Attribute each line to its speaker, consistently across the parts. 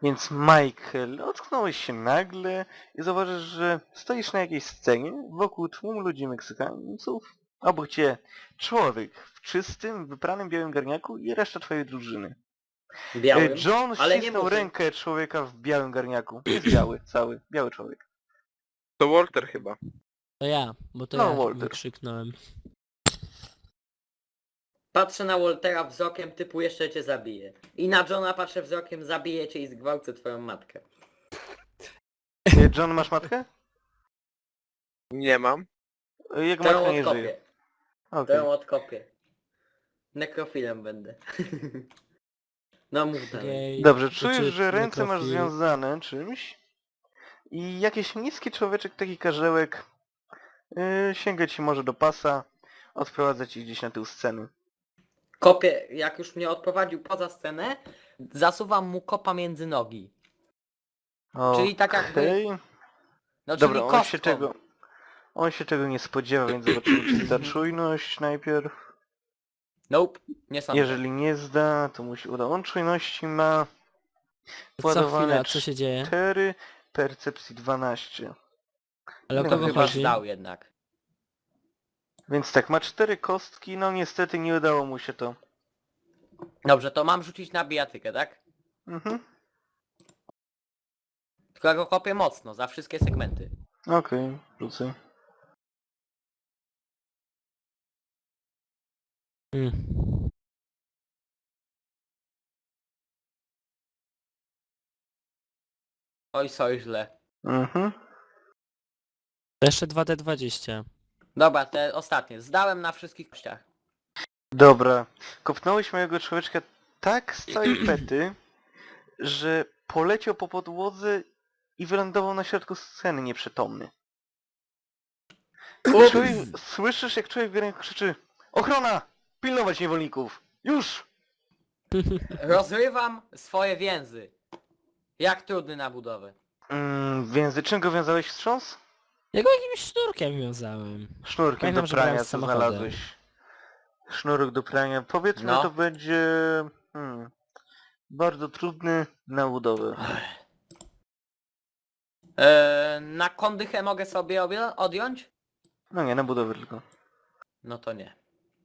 Speaker 1: Więc Michael, ocknąłeś się nagle i zauważysz, że stoisz na jakiejś scenie wokół tłumu ludzi Meksykańców. Obok cię człowiek w czystym, wypranym białym garniaku i reszta twojej drużyny.
Speaker 2: Białym,
Speaker 1: John
Speaker 2: ale nie
Speaker 1: ścisnął
Speaker 2: murzyn.
Speaker 1: rękę człowieka w białym garniaku. Jest biały, cały, biały człowiek.
Speaker 3: To Walter chyba.
Speaker 4: To ja, bo to
Speaker 1: No,
Speaker 4: ja
Speaker 1: Walter.
Speaker 4: wykrzyknąłem.
Speaker 2: Patrzę na Waltera wzrokiem typu jeszcze cię zabiję. I na Johna patrzę wzrokiem zabiję cię i zgwałcę twoją matkę.
Speaker 1: John, masz matkę?
Speaker 3: Nie mam.
Speaker 1: Jego
Speaker 2: To ją
Speaker 1: matka nie żyje.
Speaker 2: odkopię. To
Speaker 1: Okej.
Speaker 2: ją odkopię. Nekrofilem będę. No mów dalej.
Speaker 4: Jej,
Speaker 1: Dobrze,
Speaker 4: to
Speaker 1: czujesz,
Speaker 4: czy
Speaker 1: że ręce masz
Speaker 4: nekrofil?
Speaker 1: związane czymś i jakiś niski człowieczek, taki karzełek, sięga ci może do pasa, odprowadza ci gdzieś na tył sceny.
Speaker 2: Kopię, jak już mnie odprowadził poza scenę, zasuwam mu kopa między nogi. Czyli tak jakby-
Speaker 1: Okej.
Speaker 2: No
Speaker 1: Dobra,
Speaker 2: czyli kostką.
Speaker 1: on się tego nie spodziewa, więc zobaczymy, czy zda czujność najpierw.
Speaker 2: Nope, nie sądzę.
Speaker 1: Jeżeli nie zda, to mu się uda. On czujności ma
Speaker 4: Co
Speaker 1: władowane
Speaker 4: chwila, co się dzieje?
Speaker 1: 4, percepcji 12.
Speaker 4: Ale o
Speaker 1: No,
Speaker 4: kogo
Speaker 2: Chyba
Speaker 4: chodzi?
Speaker 2: zdał jednak.
Speaker 1: Więc tak, ma 4 kostki, no niestety nie udało mu się to.
Speaker 2: Dobrze, to mam rzucić na bijatykę, tak?
Speaker 1: Mhm.
Speaker 2: Tylko ja go kopię mocno, za wszystkie segmenty.
Speaker 1: Okej, rzucę.
Speaker 4: Hmm.
Speaker 2: Oj, soj źle.
Speaker 1: Mhm.
Speaker 4: To jeszcze 2D20.
Speaker 2: Dobra, te ostatnie. Zdałem na wszystkich kościach.
Speaker 1: Dobra. Kopnąłeś mojego człowieczka tak z całej pety, że poleciał po podłodze i wylądował na środku sceny nieprzytomny. Słyszysz, jak człowiek w ręku krzyczy: ochrona! Pilnować niewolników! Już!
Speaker 2: Rozrywam swoje więzy. Jak trudny na budowę.
Speaker 1: Więc czym go wiązałeś, wstrząs?
Speaker 4: Ja go jakimś sznurkiem wiązałem.
Speaker 1: Sznurkiem
Speaker 4: Pamiętam,
Speaker 1: do
Speaker 4: że grałem
Speaker 1: prania,
Speaker 4: z
Speaker 1: co
Speaker 4: samochodem.
Speaker 1: znalazłeś. Sznurek do prania. Powiedzmy,
Speaker 2: No.
Speaker 1: to będzie... bardzo trudny na budowę.
Speaker 2: Na kondychę mogę sobie odjąć?
Speaker 1: No nie, na budowę tylko.
Speaker 2: No to nie.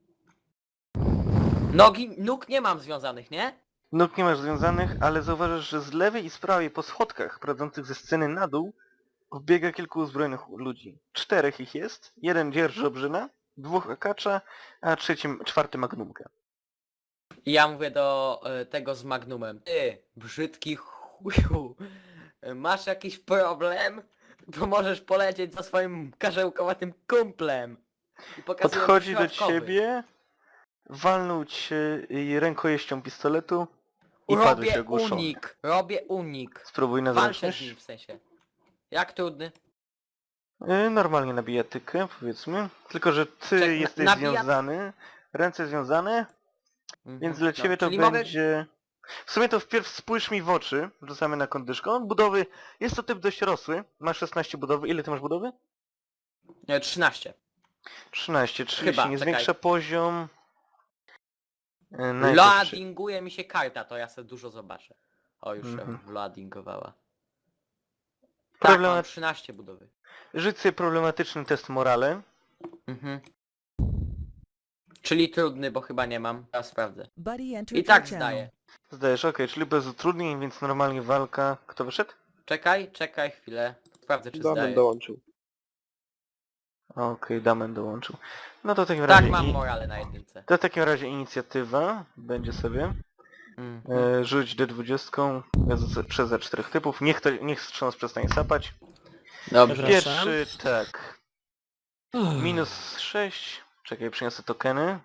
Speaker 2: Nóg nie mam związanych, nie?
Speaker 1: Nóg nie masz związanych, ale zauważysz, że z lewej i z prawej po schodkach prowadzących ze sceny na dół wbiega kilku uzbrojonych ludzi. 4 ich jest, jeden dzierży obrzyna, 2 akacza, a czwarty magnumkę.
Speaker 2: I ja mówię do tego z Magnumem. Ty, brzydki chuju. Masz jakiś problem? To możesz polecieć za swoim karzełkowatym kumplem. I pokazuję mu
Speaker 1: Podchodzi do
Speaker 2: środkowy.
Speaker 1: ciebie, walnął cię rękojeścią pistoletu i padłeś
Speaker 2: Robię
Speaker 1: ogłuszony.
Speaker 2: unik, robię unik.
Speaker 1: Spróbuj na
Speaker 2: Walczę z
Speaker 1: zręczność.
Speaker 2: nim w sensie. Jak trudny?
Speaker 1: Normalnie na bijatykę, powiedzmy. Tylko, że ty jesteś
Speaker 2: na
Speaker 1: związany, ręce związane, więc dla ciebie to
Speaker 2: czyli
Speaker 1: będzie... W sumie to wpierw spójrz mi w oczy, rzucamy na kondyszką. Budowy, jest to typ dość rosły, ma 16 budowy. Ile ty masz budowy?
Speaker 2: Nie, 13.
Speaker 1: 13, czyli
Speaker 2: Chyba,
Speaker 1: się nie
Speaker 2: czekaj.
Speaker 1: zwiększa poziom. Najpierw
Speaker 2: Loadinguje mi się karta, to ja sobie dużo zobaczę. O, już się loadingowała. Tak,
Speaker 1: Problema-
Speaker 2: mam 13 budowy.
Speaker 1: Rzuć sobie problematyczny test morale.
Speaker 2: Mhm. Czyli trudny, bo chyba nie mam. Ja sprawdzę.
Speaker 5: Buddy entered
Speaker 2: I tak
Speaker 5: your channel.
Speaker 2: zdaję.
Speaker 1: Zdajesz, okej, czyli bez utrudnień, więc normalnie walka. Kto wyszedł?
Speaker 2: Czekaj chwilę. Sprawdzę, czy
Speaker 3: Damian
Speaker 2: zdaję.
Speaker 3: dołączył.
Speaker 1: Okej, Damian dołączył. No to w takim
Speaker 2: Tak,
Speaker 1: razie...
Speaker 2: mam morale na jedynce.
Speaker 1: To w takim razie inicjatywa będzie sobie. Rzuć D20 przez za 4 typów. Niech wstrząs przestanie sapać.
Speaker 2: Dobrze.
Speaker 4: Przepraszam.
Speaker 1: Pierwszy, tak. Minus 6. Czekaj, przyniosę tokeny.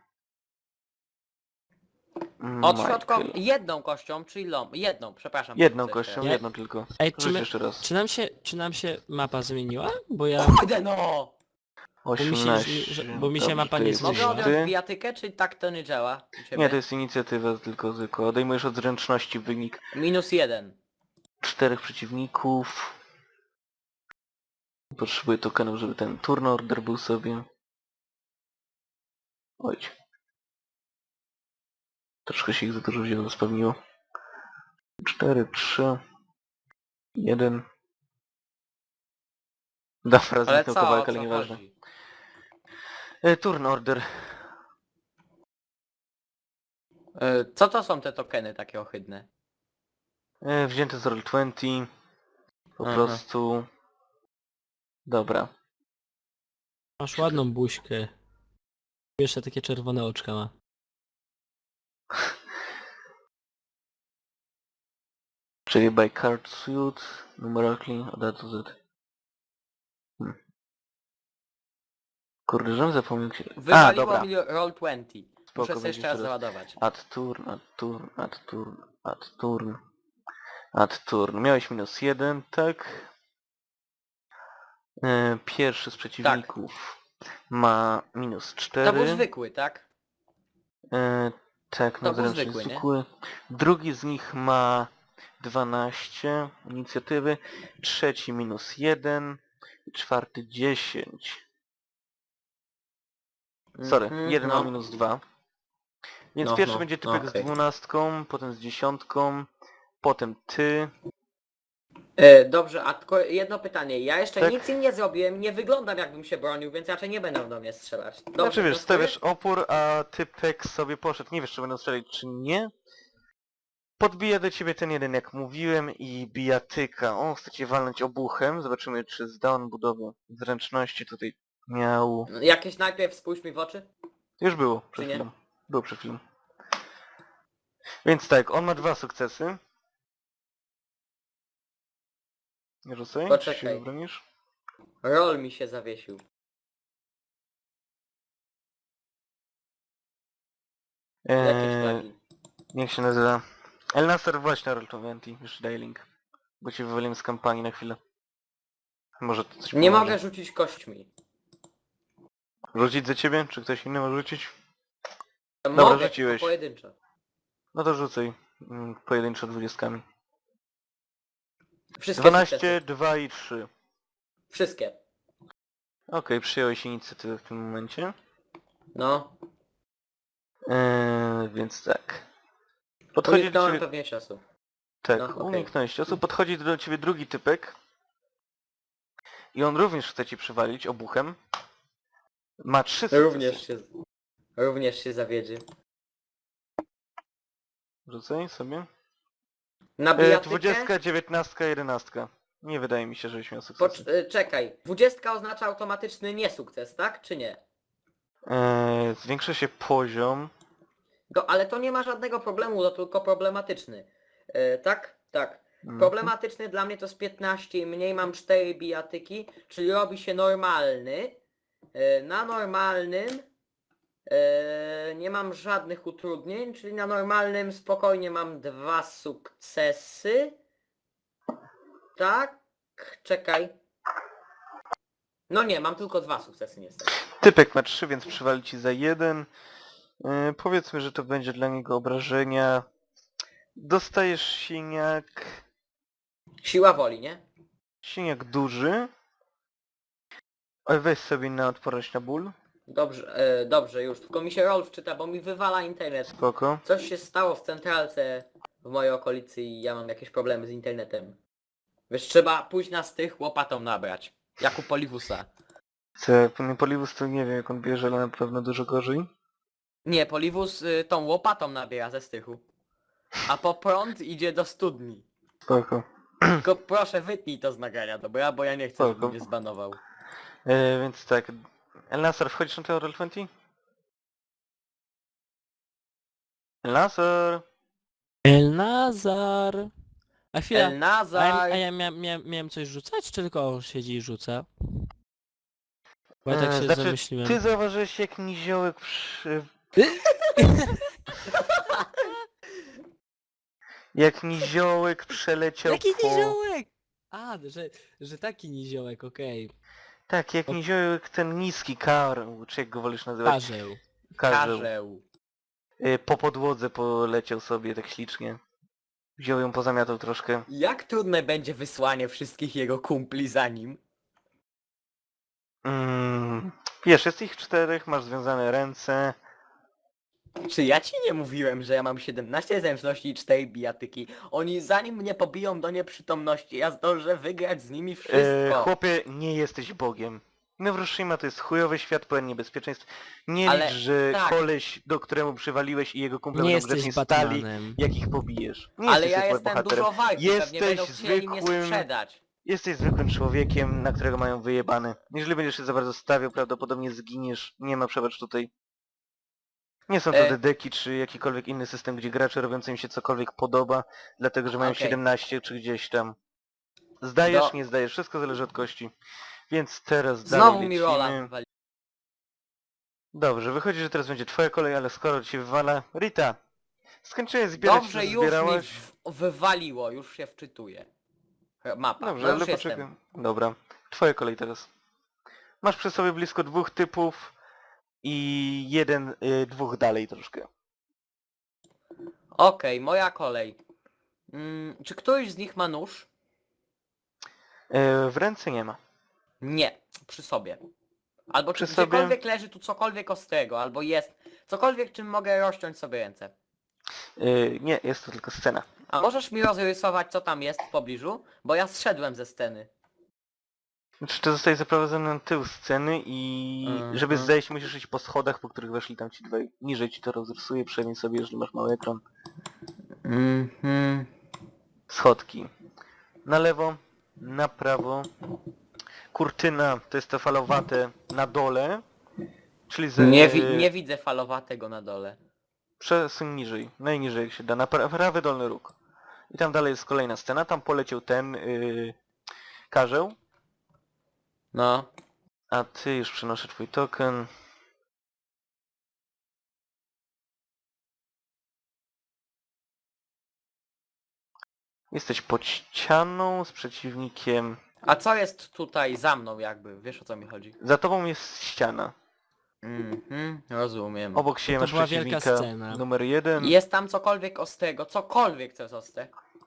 Speaker 2: Od
Speaker 1: Michael.
Speaker 2: środka jedną kością, czyli jedną, przepraszam.
Speaker 1: Jedną
Speaker 2: Coś
Speaker 1: kością,
Speaker 2: teraz.
Speaker 1: jedną tylko.
Speaker 4: Ej,
Speaker 1: Rzuć jeszcze raz.
Speaker 4: czy nam się mapa zmieniła? Bo ja...
Speaker 2: Kurde no!
Speaker 1: 18.
Speaker 4: bo mi się
Speaker 1: Dobrze,
Speaker 4: mapa
Speaker 1: to
Speaker 4: nie
Speaker 1: jesteś
Speaker 2: Mogę
Speaker 4: zmieniła.
Speaker 2: odjąć
Speaker 1: ty.
Speaker 2: bijatykę, czy tak to nie działa? u ciebie?
Speaker 1: Nie, to jest inicjatywa tylko zwykła. Odejmujesz od zręczności wynik
Speaker 2: -1.
Speaker 1: 4 przeciwników. Potrzebuję tokenów, żeby ten turn order był sobie. Oj. Troszkę się ich za dużo wzięło, spełniło. 4, 3. 1. Dobra,
Speaker 2: Ale
Speaker 1: zniknął
Speaker 2: co, o
Speaker 1: kawałek, ale
Speaker 2: co
Speaker 1: nieważne.
Speaker 2: chodzi?
Speaker 1: Turn order.
Speaker 2: Co to są te tokeny takie ohydne?
Speaker 1: Wzięty z Roll20. Po
Speaker 2: Aha.
Speaker 1: prostu... Dobra.
Speaker 4: Masz ładną buźkę. Jeszcze takie czerwone oczka ma.
Speaker 1: Czyli by card suit, numerically, od A do Z. Kurde, żebym zapomniał się... A,
Speaker 2: Wywaliło
Speaker 1: dobra.
Speaker 2: mi Roll20. Muszę
Speaker 1: Spoko,
Speaker 2: sobie jeszcze raz załadować.
Speaker 1: Add turn, add turn, add turn, add turn. Add turn. Miałeś -1, tak? Pierwszy z przeciwników ma -4.
Speaker 2: To był zwykły, tak?
Speaker 1: Tak,
Speaker 2: To
Speaker 1: no
Speaker 2: był
Speaker 1: zręczny
Speaker 2: zwykły, nie?
Speaker 1: zwykły. Drugi z nich ma 12 inicjatywy. Trzeci -1. I czwarty 10. Sorry,
Speaker 2: Mhm,
Speaker 1: jeden
Speaker 2: no.
Speaker 1: ma -2. Więc
Speaker 2: No,
Speaker 1: pierwszy
Speaker 2: no,
Speaker 1: będzie
Speaker 2: no,
Speaker 1: typek z
Speaker 2: okej.
Speaker 1: 12, potem z 10, potem ty.
Speaker 2: Dobrze, a tylko jedno pytanie. Ja jeszcze
Speaker 1: Tak.
Speaker 2: nic im nie zrobiłem, nie wyglądam jakbym się bronił, więc raczej nie będą do mnie strzelać. Dobrze,
Speaker 1: Znaczy wiesz,
Speaker 2: to
Speaker 1: stawiasz opór, a typek sobie poszedł. Nie wiesz, czy będą strzelać, czy nie. Podbija do ciebie ten jeden, jak mówiłem, i bijatyka. On chce cię walnąć obuchem. Zobaczymy, czy zda on budowę zręczności tutaj miał...
Speaker 2: Jakieś najpierw spójrz mi w oczy?
Speaker 1: Już było przed
Speaker 2: Czy nie?
Speaker 1: chwilą. Było przed chwilą. Więc tak, on ma 2 sukcesy. Nie rzucaj, czy się
Speaker 2: Poczekaj.
Speaker 1: obronisz?
Speaker 2: Roll mi się zawiesił. Jakieś flagi.
Speaker 1: Jak się nazywa? El Nasser właśnie Roll20, już daję link. Bo cię wywaliłem z kampanii na chwilę. Może to coś
Speaker 2: Nie
Speaker 1: pomoże.
Speaker 2: mogę rzucić kośćmi.
Speaker 1: Rzucić za ciebie? Czy ktoś inny ma rzucić?
Speaker 2: Mogę,
Speaker 1: rzuciłeś.
Speaker 2: tylko pojedynczo.
Speaker 1: No to rzucaj. Pojedynczo 20.
Speaker 2: Wszystkie
Speaker 1: 12,
Speaker 2: sukcesy.
Speaker 1: 2 i 3.
Speaker 2: Wszystkie.
Speaker 1: Okej, przyjąłeś inicjatywę w tym momencie.
Speaker 2: No.
Speaker 1: Więc tak. Podchodzi do
Speaker 2: Uniknąłem
Speaker 1: ciebie...
Speaker 2: pewnie czasu.
Speaker 1: Tak,
Speaker 2: no, okej.
Speaker 1: uniknąłeś ciosu. Podchodzi do ciebie drugi typek. I on również chce ci przywalić obuchem. Ma 3 sukcesy.
Speaker 2: Również się zawiedzie.
Speaker 1: Rzucaj sobie.
Speaker 2: Na bijatykę?
Speaker 1: 20, 19, 11. Nie wydaje mi się, żebyś miał sukces.
Speaker 2: Czekaj. 20 oznacza automatyczny niesukces, tak? Czy nie?
Speaker 1: Zwiększa się poziom.
Speaker 2: Ale to nie ma żadnego problemu, to tylko problematyczny. Tak? Tak.
Speaker 1: Mhm.
Speaker 2: Problematyczny dla mnie to jest 15 i mniej, mam 4 bijatyki, czyli robi się normalny. Na normalnym nie mam żadnych utrudnień, czyli na normalnym spokojnie mam 2 sukcesy. Tak? Czekaj. No nie, mam tylko 2 sukcesy niestety.
Speaker 1: Typek ma 3, więc przywali ci za 1. Powiedzmy, że to będzie dla niego obrażenia. Dostajesz siniak...
Speaker 2: Siła woli, nie?
Speaker 1: Siniak duży. Oj, weź sobie na odporność na ból.
Speaker 2: Dobrze, dobrze już, tylko mi się roll wczyta, bo mi wywala internet.
Speaker 1: Spoko.
Speaker 2: Coś się stało w centralce w mojej okolicy i ja mam jakieś problemy z internetem. Wiesz, trzeba pójść na stych łopatą nabrać. Jak u Poliwusa.
Speaker 1: Poliwus to nie wiem jak on bierze, ale na pewno dużo gorzej.
Speaker 2: Nie, Poliwus tą łopatą nabiera ze stychu. A po prąd idzie do studni.
Speaker 1: Spoko.
Speaker 2: Tylko proszę wytnij to z nagrania, dobra? Bo ja nie chcę, żeby
Speaker 1: Spoko.
Speaker 2: mnie zbanował.
Speaker 1: Więc tak. El Nasser, wchodzisz na ten Roll20? El Nasser!
Speaker 4: El Nazar! A chwila,
Speaker 2: El Nazar!
Speaker 4: a ja miałem coś rzucać, czy tylko on siedzi i rzuca? Bo ja tak się
Speaker 1: Znaczy,
Speaker 4: zamyśliłem.
Speaker 1: ty zauważyłeś jak niziołek przy... Jak niziołek przeleciał
Speaker 4: Jaki
Speaker 1: po...
Speaker 4: niziołek? A, że taki niziołek, okej.
Speaker 1: Tak, jak niziołek ten niski karł, czy jak go wolisz nazywać?
Speaker 4: Karzeł.
Speaker 1: Karzeł. Po podłodze poleciał sobie tak ślicznie. Wziął ją, pozamiatał troszkę.
Speaker 2: Jak trudne będzie wysłanie wszystkich jego kumpli za nim?
Speaker 1: Wiesz, jest ich 4, masz związane ręce.
Speaker 2: Czy ja ci nie mówiłem, że ja mam 17 zręczności i 4 bijatyki? Oni zanim mnie pobiją do nieprzytomności, ja zdążę wygrać z nimi wszystko.
Speaker 1: Chłopie, nie jesteś Bogiem. Hiroshima to jest chujowy świat pełen niebezpieczeństw. Nie
Speaker 2: Ale
Speaker 1: licz, że
Speaker 2: tak.
Speaker 1: koleś, do któremu przywaliłeś i jego kumple
Speaker 4: Nie
Speaker 1: będą
Speaker 4: jesteś
Speaker 1: grzecznie stali,
Speaker 4: Batmanem.
Speaker 1: jak ich pobijesz. Nie
Speaker 2: Ale
Speaker 1: jesteś
Speaker 2: ja
Speaker 1: super
Speaker 2: jestem
Speaker 1: bohaterem.
Speaker 2: dużo walki, pewnie będą
Speaker 1: Jesteś
Speaker 2: chcieli mnie
Speaker 1: zwykłym...
Speaker 2: sprzedać.
Speaker 1: Jesteś zwykłym człowiekiem, na którego mają wyjebane. Jeżeli będziesz się za bardzo stawiał, prawdopodobnie zginiesz. Nie ma przebacz tutaj. Nie są to
Speaker 2: E.
Speaker 1: dedeki czy jakikolwiek inny system, gdzie gracze robią co im się cokolwiek podoba, dlatego że mają
Speaker 2: Okej.
Speaker 1: 17 czy gdzieś tam. Zdajesz,
Speaker 2: Do-
Speaker 1: nie zdajesz, wszystko zależy od kości. Więc teraz
Speaker 2: Znowu
Speaker 1: dalej
Speaker 2: mi rola
Speaker 1: lecimy.
Speaker 2: wywali.
Speaker 1: Dobrze, wychodzi, że teraz będzie twoja kolej, ale skoro ci się wywala... Rita! Skończyłeś zbierać,
Speaker 2: Dobrze,
Speaker 1: co
Speaker 2: już mi
Speaker 1: zbierałaś?
Speaker 2: wywaliło, już się wczytuję. Mapa,
Speaker 1: Dobrze,
Speaker 2: no już
Speaker 1: ale
Speaker 2: jestem.
Speaker 1: poczekaj. Dobra, twoja kolej teraz. Masz przy sobie blisko 2 typów i dwóch dalej troszkę.
Speaker 2: Okej, moja kolej. Czy któryś z nich ma nóż?
Speaker 1: W ręce nie ma.
Speaker 2: Nie, przy sobie. Albo czy
Speaker 1: Przy sobie?
Speaker 2: gdziekolwiek leży tu cokolwiek ostrego, albo jest cokolwiek, czym mogę rozciąć sobie ręce.
Speaker 1: Nie, jest to tylko scena.
Speaker 2: A możesz mi rozrysować, co tam jest w pobliżu? Bo ja zszedłem ze sceny.
Speaker 1: Znaczy, to zostaje zaprowadzony na tył sceny i żeby
Speaker 2: Mhm.
Speaker 1: zejść musisz iść po schodach, po których weszli tam ci dwaj. Niżej ci to rozrysuje, przynajmniej sobie, jeżeli masz mały ekran. Schodki. Na lewo, na prawo. Kurtyna to jest to falowate na dole. Czyli
Speaker 2: Nie widzę falowatego na dole.
Speaker 1: przesuń niżej, najniżej jak się da, na prawy dolny róg. I tam dalej jest kolejna scena, tam poleciał ten karzeł.
Speaker 2: No.
Speaker 1: A ty już przenoszę twój token. Jesteś pod ścianą z przeciwnikiem.
Speaker 2: A co jest tutaj za mną jakby? Wiesz o co mi chodzi?
Speaker 1: Za tobą jest ściana.
Speaker 2: Rozumiem.
Speaker 1: Obok siebie
Speaker 4: To
Speaker 1: masz
Speaker 4: była wielka
Speaker 1: przeciwnika
Speaker 4: scena.
Speaker 1: numer 1.
Speaker 2: Jest tam cokolwiek ostrego, cokolwiek co jest ostre.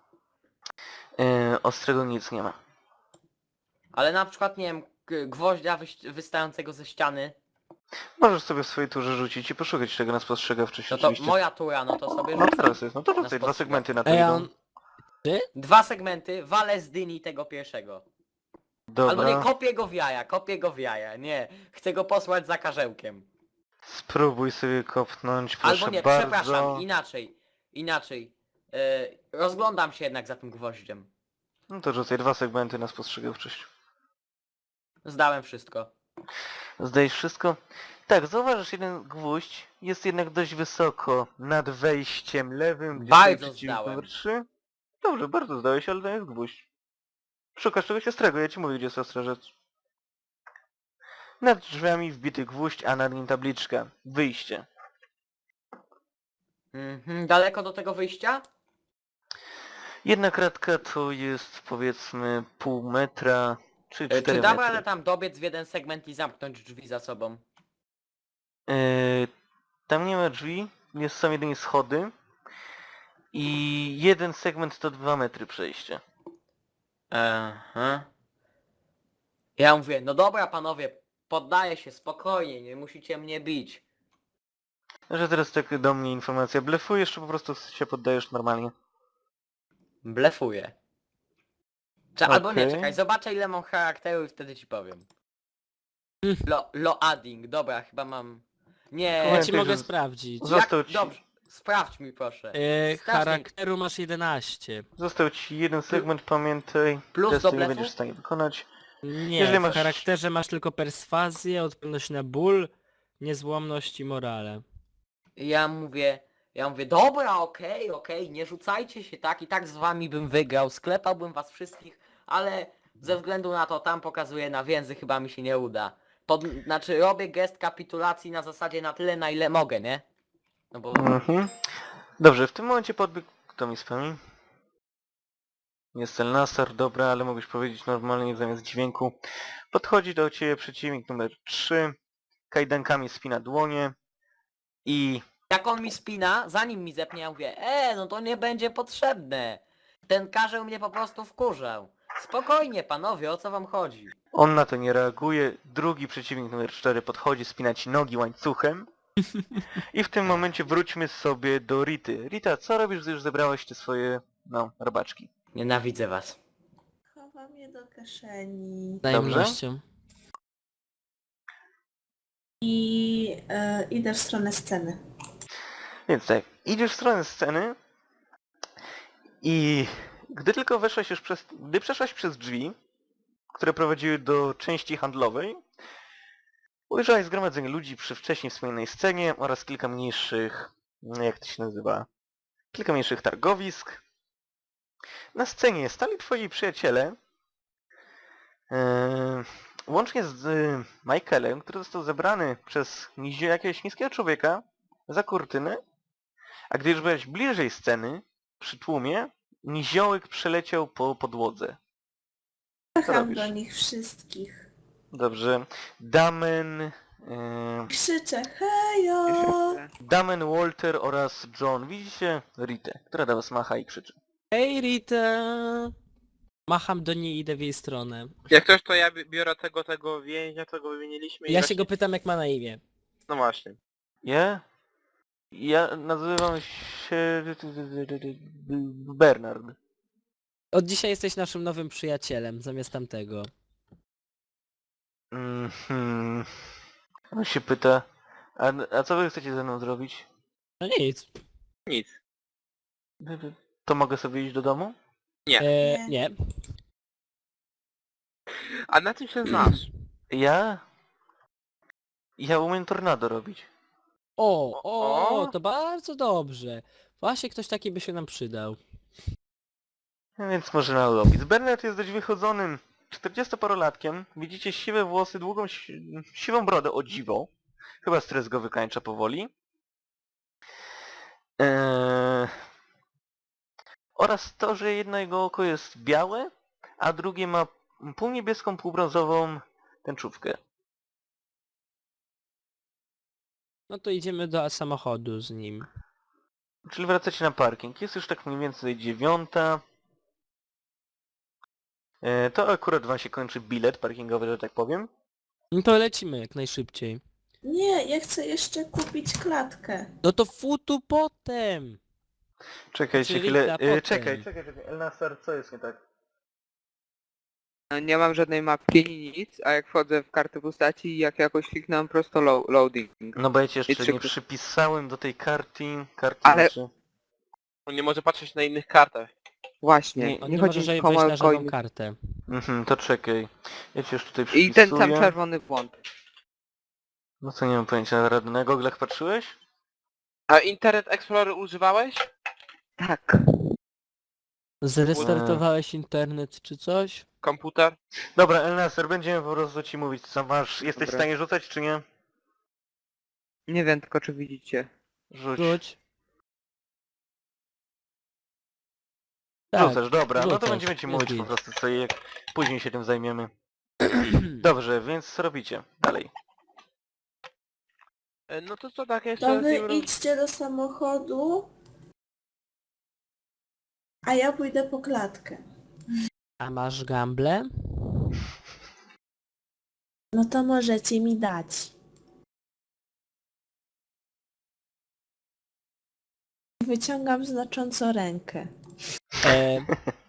Speaker 1: Ostrego nic nie ma.
Speaker 2: Ale na przykład, nie wiem, gwoździa wystającego ze ściany.
Speaker 1: Możesz sobie w swojej turze rzucić i poszukać tego na spostrzegawczość
Speaker 2: No to
Speaker 1: oczywiście.
Speaker 2: moja tura, no to sobie
Speaker 1: No
Speaker 2: rzucę.
Speaker 1: teraz jest, no to
Speaker 2: Na
Speaker 1: rzucaj, 2
Speaker 2: spostrzegawczość.
Speaker 1: segmenty na to
Speaker 4: Ej, a
Speaker 1: idą.
Speaker 4: on...
Speaker 2: 2 segmenty, walę z dyni tego pierwszego. Albo nie,
Speaker 1: Dobra,
Speaker 2: kopię go w jaja, nie. Chcę go posłać za karzełkiem.
Speaker 1: spróbuj sobie kopnąć, proszę
Speaker 2: Albo nie,
Speaker 1: bardzo.
Speaker 2: przepraszam, inaczej. Rozglądam się jednak za tym gwoździem.
Speaker 1: No to rzucaj 2 segmenty na spostrzegawczość.
Speaker 2: Zdałem wszystko.
Speaker 1: Zdajesz wszystko? Tak, zauważysz, jeden gwóźdź jest jednak dość wysoko nad wejściem lewym, gdzie
Speaker 2: Bardzo
Speaker 1: stoi przeciwnik
Speaker 2: zdałem.
Speaker 1: numer 3. Dobrze, bardzo zdałeś, ale to jest gwóźdź. Szukasz czegoś ostrego, ja ci mówię, gdzie jest ostra rzecz. Nad drzwiami wbity gwóźdź, a nad nim tabliczka. Wyjście.
Speaker 2: Daleko do tego wyjścia?
Speaker 1: Jedna kratka to jest powiedzmy pół metra, czy 4
Speaker 2: Czy dam
Speaker 1: metry.
Speaker 2: radę tam dobiec w jeden segment i zamknąć drzwi za sobą?
Speaker 1: Tam nie ma drzwi, są jedynie schody. I jeden segment to 2 metry przejścia.
Speaker 2: Aha. Ja mówię, no dobra panowie, poddaję się spokojnie, nie musicie mnie bić.
Speaker 1: Że teraz tak do mnie informacja, blefujesz czy po prostu się poddajesz normalnie?
Speaker 2: Blefuję. Albo nie,
Speaker 1: Okej.
Speaker 2: czekaj, zobaczę ile mam charakteru i wtedy ci powiem. Loading, dobra, chyba mam... Nie,
Speaker 4: Ja
Speaker 1: Pamiętaj,
Speaker 4: ci mogę
Speaker 1: że
Speaker 4: sprawdzić.
Speaker 1: Został ci,
Speaker 2: Dobrze, sprawdź mi proszę. Strasznie-
Speaker 4: Charakteru masz 11.
Speaker 1: został ci jeden segment, pamiętaj.
Speaker 2: Plus
Speaker 1: Testu
Speaker 2: do
Speaker 1: nie
Speaker 2: blefu?
Speaker 1: będziesz w stanie wykonać.
Speaker 4: Nie,
Speaker 1: Jeżeli
Speaker 4: w
Speaker 1: masz-
Speaker 4: charakterze masz tylko perswazję, odporność na ból, niezłomność i morale.
Speaker 2: Ja mówię, dobra, okej, nie rzucajcie się tak, i tak z wami bym wygrał, sklepałbym was wszystkich, ale ze względu na to tam pokazuję na więzy, chyba mi się nie uda. Znaczy robię gest kapitulacji na zasadzie na tyle, na ile mogę, nie? No bo...
Speaker 1: Mhm. Dobrze, w tym momencie podbiegł... Kto mi spełni? Jest Elnasar, dobra, ale mógłbyś powiedzieć normalnie zamiast dźwięku. Podchodzi do ciebie przeciwnik numer 3. Kajdankami spina dłonie. I...
Speaker 2: Jak on mi spina, zanim mi zepnie, ja mówię, no to nie będzie potrzebne. Ten karzeł mnie po prostu wkurzał. Spokojnie panowie, o co wam chodzi?
Speaker 1: On na to nie reaguje. Drugi przeciwnik numer 4 podchodzi, spina ci nogi łańcuchem. I w tym momencie wróćmy sobie do Rity. Rita, co robisz, gdy już zebrałeś te swoje, no, robaczki?
Speaker 2: Nienawidzę was.
Speaker 5: Chowam je do kieszeni.
Speaker 4: Tajemnością.
Speaker 5: I idę w stronę sceny.
Speaker 1: Więc tak, idziesz w stronę sceny i gdy tylko weszłaś już gdy przeszłaś przez drzwi, które prowadziły do części handlowej, ujrzałaś zgromadzenie ludzi przy wcześniej wspomnianej scenie oraz kilka mniejszych, jak to się nazywa, kilka mniejszych targowisk. Na scenie stali twoi przyjaciele, łącznie z Michaelem, który został zebrany przez jakiegoś niskiego człowieka za kurtynę, a gdy już byłeś bliżej sceny, przy tłumie, niziołek przeleciał po podłodze. Co
Speaker 5: Macham
Speaker 1: robisz?
Speaker 5: do nich wszystkich.
Speaker 1: Dobrze. Damen,
Speaker 5: Krzyczę hejo!
Speaker 1: Damen, Walter oraz John. Widzicie Ritę, która do was macha i krzyczy.
Speaker 4: Hej Rita! Macham do niej i idę w jej stronę.
Speaker 3: Jak ktoś to ja biorę tego więźnia, co go wymieniliśmy i
Speaker 4: Ja się
Speaker 3: właśnie...
Speaker 4: go pytam jak ma na imię.
Speaker 3: No właśnie.
Speaker 1: Ja nazywam się Bernard.
Speaker 4: Od dzisiaj jesteś naszym nowym przyjacielem, zamiast tamtego.
Speaker 1: On się pyta, a co wy chcecie ze mną zrobić?
Speaker 4: No nic.
Speaker 3: Nic.
Speaker 1: To mogę sobie iść do domu?
Speaker 4: Nie.
Speaker 3: A na czym się znasz?
Speaker 1: Ja umiem tornado robić.
Speaker 4: O, to bardzo dobrze. Właśnie ktoś taki by się nam przydał.
Speaker 1: Więc może na robić. Bernard jest dość wychodzonym 40-parolatkiem. Widzicie siwe włosy, długą siwą brodę, o dziwo. Chyba stres go wykańcza powoli. Oraz to, że jedno jego oko jest białe, a drugie ma półniebieską, półbrązową tęczówkę.
Speaker 4: No to idziemy do samochodu z nim.
Speaker 1: Czyli wracacie na parking. Jest już tak mniej więcej 9:00. To akurat wam się kończy bilet parkingowy, że tak powiem.
Speaker 4: No to lecimy jak najszybciej.
Speaker 5: Nie, ja chcę jeszcze kupić klatkę.
Speaker 4: No to futu potem!
Speaker 1: Czekajcie
Speaker 4: Czyli
Speaker 1: chwilę.
Speaker 4: na potem.
Speaker 1: Czekaj. Elnasar, co jest nie tak?
Speaker 6: No, nie mam żadnej mapki, nic, a jak wchodzę w kartę postaci, jak jakoś kliknę prosto loading.
Speaker 1: No bo ja ci jeszcze
Speaker 6: I
Speaker 1: nie
Speaker 6: czy-
Speaker 1: przypisałem do tej karty
Speaker 6: Ale-
Speaker 1: znaczy...
Speaker 3: On nie może patrzeć na innych kartach.
Speaker 6: Właśnie,
Speaker 4: On
Speaker 6: nie
Speaker 4: nie
Speaker 6: chodzi
Speaker 4: może
Speaker 6: mi
Speaker 4: wejść
Speaker 6: o
Speaker 4: na żadną
Speaker 6: coiny.
Speaker 4: kartę.
Speaker 1: To czekaj. Ja ci już tutaj przypisuję.
Speaker 6: I ten sam czerwony błąd.
Speaker 1: No co, nie mam pojęcia, na radę. Na goglach patrzyłeś?
Speaker 3: A Internet Explorer używałeś?
Speaker 6: Tak.
Speaker 4: Zrestartowałeś internet czy coś?
Speaker 3: Komputer?
Speaker 1: Dobra, Elnasar, będziemy po prostu ci mówić co masz. Jesteś
Speaker 6: Dobra.
Speaker 1: w stanie rzucać czy nie?
Speaker 6: Nie wiem tylko czy widzicie.
Speaker 1: Rzuć.
Speaker 4: Rzuć. Tak.
Speaker 1: Rzucasz, dobra. No to
Speaker 4: rzucasz.
Speaker 1: będziemy ci
Speaker 4: Jest
Speaker 1: mówić po
Speaker 4: git.
Speaker 1: prostu co i jak później się tym zajmiemy. Dobrze, więc co robicie? Dalej.
Speaker 3: No to co tak jeszcze
Speaker 5: To
Speaker 3: z
Speaker 5: wy
Speaker 3: nim
Speaker 5: idźcie do samochodu, a ja pójdę po klatkę.
Speaker 4: A masz gamble?
Speaker 5: No to możecie mi dać. Wyciągam znacząco rękę.
Speaker 4: E...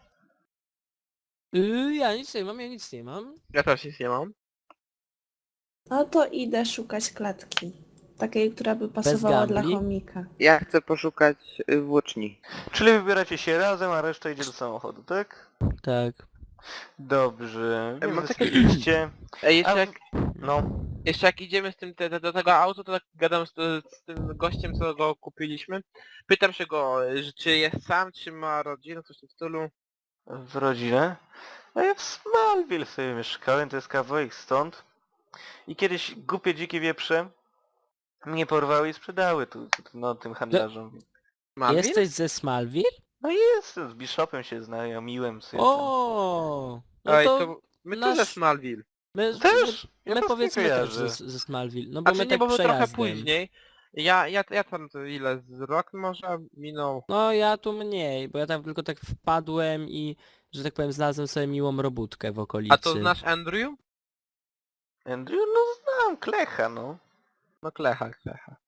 Speaker 4: ja nic nie mam.
Speaker 3: Ja też nic nie mam.
Speaker 5: No to idę szukać klatki. Takiej, która by pasowała dla
Speaker 4: gambli?
Speaker 5: chomika.
Speaker 6: Ja chcę poszukać włóczni.
Speaker 1: Czyli wybieracie się razem, a reszta idzie do samochodu, tak?
Speaker 4: Tak.
Speaker 1: Dobrze.
Speaker 3: mam
Speaker 1: Więc
Speaker 3: takie-
Speaker 1: idźcie.
Speaker 3: Ej, jeszcze
Speaker 1: A-
Speaker 3: jak,
Speaker 1: No.
Speaker 3: jeszcze jak idziemy z tym do tego auta, to tak gadam z tym gościem, co go kupiliśmy. Pytam się go, czy jest sam, czy ma rodzinę, coś w tym stylu.
Speaker 1: W rodzinę. No ja w Smallville sobie mieszkałem, to jest kawałek stąd. I kiedyś głupie dzikie wieprze mnie porwały i sprzedały no, tym handlarzom.
Speaker 3: Malwin?
Speaker 4: Jesteś ze Smallville?
Speaker 1: No jestem, z Bishopem się znajomiłem sobie tam.
Speaker 4: O, no
Speaker 3: Ej,
Speaker 4: to
Speaker 3: to my
Speaker 4: nasz-
Speaker 3: też Smallville.
Speaker 1: Też? Ja
Speaker 4: my
Speaker 1: was nie
Speaker 4: powiedzmy też
Speaker 1: kojarzę.
Speaker 4: ze Smallville, no bo
Speaker 3: Znaczy
Speaker 4: my
Speaker 3: nie,
Speaker 4: tak
Speaker 3: bo my trochę
Speaker 4: przejazdem.
Speaker 3: później. Ja tam to ile, z rok może minął.
Speaker 4: No ja tu mniej, bo ja tam tylko tak wpadłem i, że tak powiem, znalazłem sobie miłą robótkę w okolicy.
Speaker 3: A to znasz Andrew?
Speaker 1: Andrew? No znam, Klecha, no.
Speaker 3: No Klecha.